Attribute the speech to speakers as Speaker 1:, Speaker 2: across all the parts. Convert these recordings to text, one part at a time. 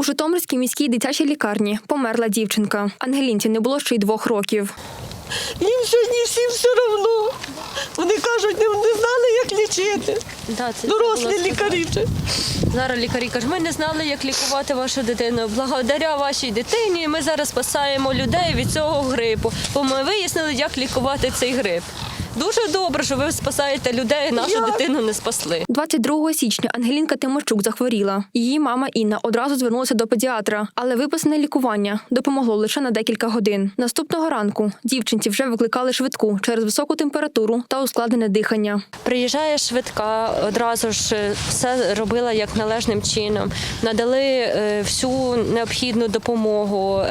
Speaker 1: У Житомирській міській дитячій лікарні померла дівчинка. Ангелінці не було ще й 2 років.
Speaker 2: Їм сьогодні всім все одно. Вони кажуть, не знали, як лічити. Дорослі лікарі вже.
Speaker 3: Зараз лікарі кажуть, ми не знали, як лікувати вашу дитину. Благодаря вашій дитині ми зараз спасаємо людей від цього грипу, бо ми вияснили, як лікувати цей грип. Дуже добре, що ви спасаєте людей, нашу дитину не спасли.
Speaker 1: 22 січня Ангелінка Тимощук захворіла. Її мама Інна одразу звернулася до педіатра, але виписане лікування допомогло лише на декілька годин. Наступного ранку дівчинці вже викликали швидку через високу температуру та ускладнене дихання.
Speaker 3: Приїжджає швидка, одразу ж все робила як належним чином. Надали всю необхідну допомогу,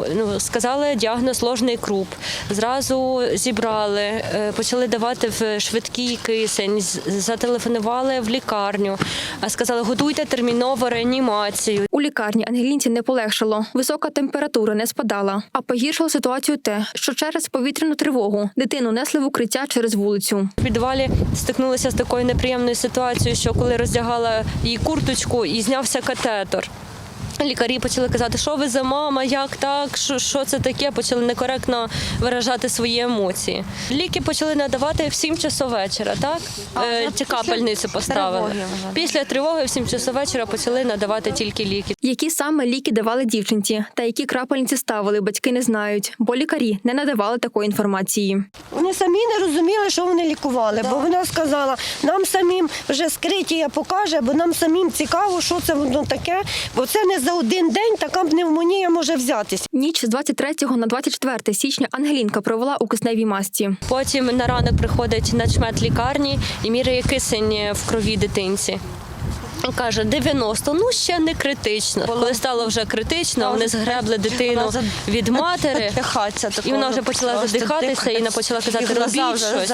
Speaker 3: сказали діагноз ложний круп. Зразу зібрали, почали давати в швидкий кисень, зателефонували в лікарню, сказали, готуйте терміново реанімацію.
Speaker 1: У лікарні Ангелінці не полегшало, висока температура не спадала, а погіршило ситуацію те, що через повітряну тривогу дитину несли в укриття через вулицю.
Speaker 3: В підвалі стикнулися з такою неприємною ситуацією, що коли роздягала її курточку і знявся катетер. Лікарі почали казати, що ви за мама, як так, що це таке, почали некоректно виражати свої емоції. Ліки почали надавати в 7 часов вечора, так? Ці капельницю поставили. Після тривоги в 7 часов вечора почали надавати тільки ліки.
Speaker 1: Які саме ліки давали дівчинці та які крапельниці ставили, батьки не знають, бо лікарі не надавали такої інформації.
Speaker 2: Вони самі не розуміли, що вони лікували, бо вона сказала, нам самим вже скриття покаже, бо нам самим цікаво, що це воно таке, бо це не за один день така пневмонія може взятися.
Speaker 1: Ніч з 23 на 24 січня Ангелінка провела у кисневій масці.
Speaker 3: Потім на ранок приходить начмет лікарні і міряє кисень в крові дитинці. Каже, 90, ще не критично. Коли стало вже критично, вони згребли дитину від матері, і вона вже почала задихатися, і вона почала казати, робіть щось.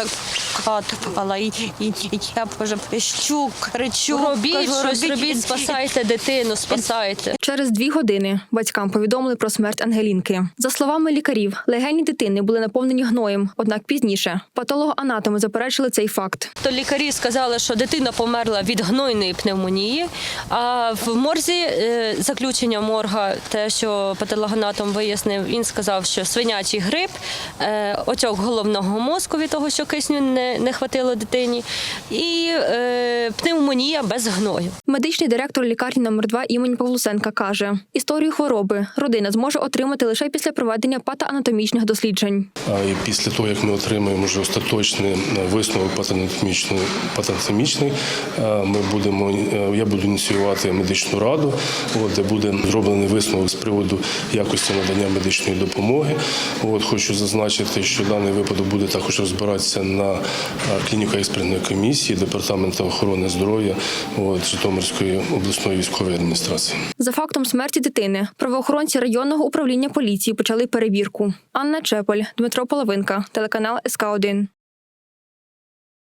Speaker 2: І я вже пищу, кричу.
Speaker 3: Робіть, спасайте дитину, спасайте.
Speaker 1: Через 2 години батькам повідомили про смерть Ангелінки. За словами лікарів, легені дитини були наповнені гноєм, однак пізніше патологоанатоми заперечили цей факт.
Speaker 3: То лікарі сказали, що дитина померла від гнойної пневмонії, а в морзі заключення морга, те, що патологоанатом вияснив, він сказав, що свинячий грип, отек головного мозку від того, що кисню не хватило дитині, і пневмонія без гною.
Speaker 1: Медичний директор лікарні номер 2 імені Павлусенка каже, історію хвороби родина зможе отримати лише після проведення патоанатомічних досліджень.
Speaker 4: І після того, як ми отримаємо вже остаточний висновок патоанатомічний, я буду ініціювати медичну раду, де буде зроблений висновок з приводу якості надання медичної допомоги. Хочу зазначити, що даний випадок буде також розбиратися на клініко-експертній комісії Департаменту охорони здоров'я Житомирської обласної військової адміністрації.
Speaker 1: За фактом смерті дитини правоохоронці районного управління поліції почали перевірку. Анна Чепель, Дмитро Половинка, телеканал СК1.